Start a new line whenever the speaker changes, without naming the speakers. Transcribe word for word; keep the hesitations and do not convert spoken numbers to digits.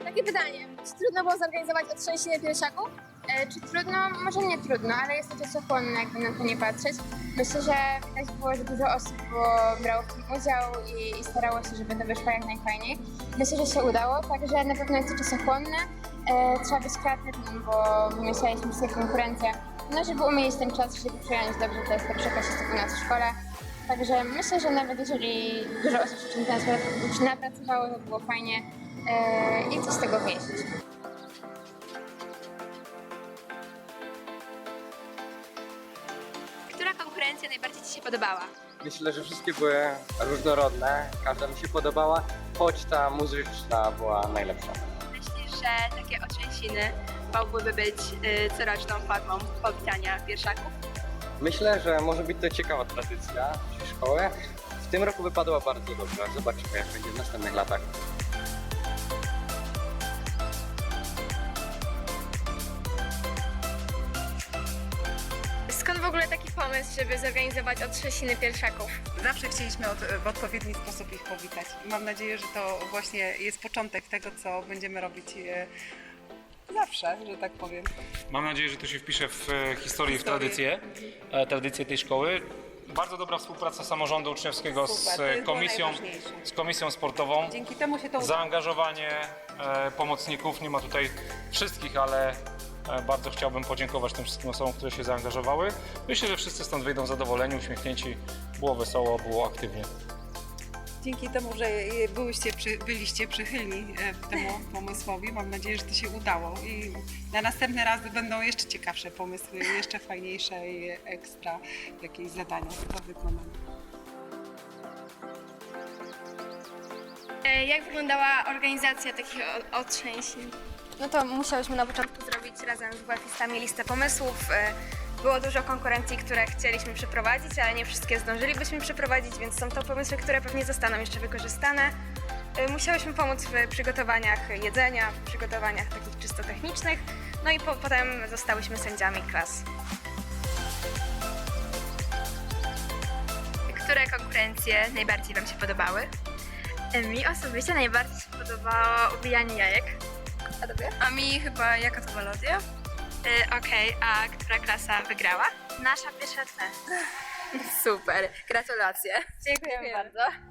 Takie pytanie, czy trudno było zorganizować otrzęsiny piersiaków?
E, czy trudno? Może nie trudno, ale jest to czasochłonne, jakby na to nie patrzeć. Myślę, że widać było, że dużo osób było, brało w tym udział i, i starało się, żeby to wyszło jak najfajniej. Myślę, że się udało, także na pewno jest to czasochłonne. E, trzeba być kreatywnym, bo wymyślaliśmy sobie konkurencję, no żeby umieć ten czas, żeby przyjąć dobrze te starsze klasisty u nas w szkole. Także myślę, że nawet jeżeli dużo osób się czymś nas napracowało, to było fajnie e, i coś z tego wyjść.
Która konkurencja najbardziej Ci się podobała?
Myślę, że wszystkie były różnorodne, każda mi się podobała, choć ta muzyczna była najlepsza.
Myślisz, że takie otrzęsiny mogłyby być y, coroczną formą powitania pierwszaków?
Myślę, że może być to ciekawa tradycja naszej szkoły. W tym roku wypadła bardzo dobrze, zobaczymy jak będzie w następnych latach.
Skąd w ogóle taki pomysł, żeby zorganizować otrzęsiny piersiaków?
Zawsze chcieliśmy od, w odpowiedni sposób ich powitać. I mam nadzieję, że to właśnie jest początek tego, co będziemy robić e, zawsze, że tak powiem.
Mam nadzieję, że to się wpisze w e, historię i w
Historię.
tradycję, e, tradycję tej szkoły. Bardzo dobra współpraca samorządu uczniowskiego
Super,
z
to jest było
komisją,
najważniejsze.
z komisją sportową.
Dzięki temu się to udało.
Zaangażowanie e, pomocników, nie ma tutaj wszystkich, ale e, bardzo chciałbym podziękować tym wszystkim osobom, które się zaangażowały. Myślę, że wszyscy stąd wyjdą zadowoleni, uśmiechnięci, było wesoło, było aktywnie.
Dzięki temu, że byłyście, przy, byliście przychylni e, temu pomysłowi, mam nadzieję, że to się udało. I na następne razy będą jeszcze ciekawsze pomysły, jeszcze fajniejsze i ekstra jakieś zadania do wykonania.
Jak wyglądała organizacja takich o- otrzęsin?
No to musiałyśmy na początku zrobić razem z WF-istami listę pomysłów. E, Było dużo konkurencji, które chcieliśmy przeprowadzić, ale nie wszystkie zdążylibyśmy przeprowadzić, więc są to pomysły, które pewnie zostaną jeszcze wykorzystane. E, Musiałyśmy pomóc w przygotowaniach jedzenia, w przygotowaniach takich czysto technicznych, no i po, potem zostałyśmy sędziami klas.
Które konkurencje najbardziej Wam się podobały?
Mi osobiście najbardziej się podobało ubijanie jajek. A tobie?
A mi chyba jaka to melodia? Y, Okej, a która klasa wygrała?
Nasza pierwsza C.
Super, gratulacje.
Dziękujemy bardzo.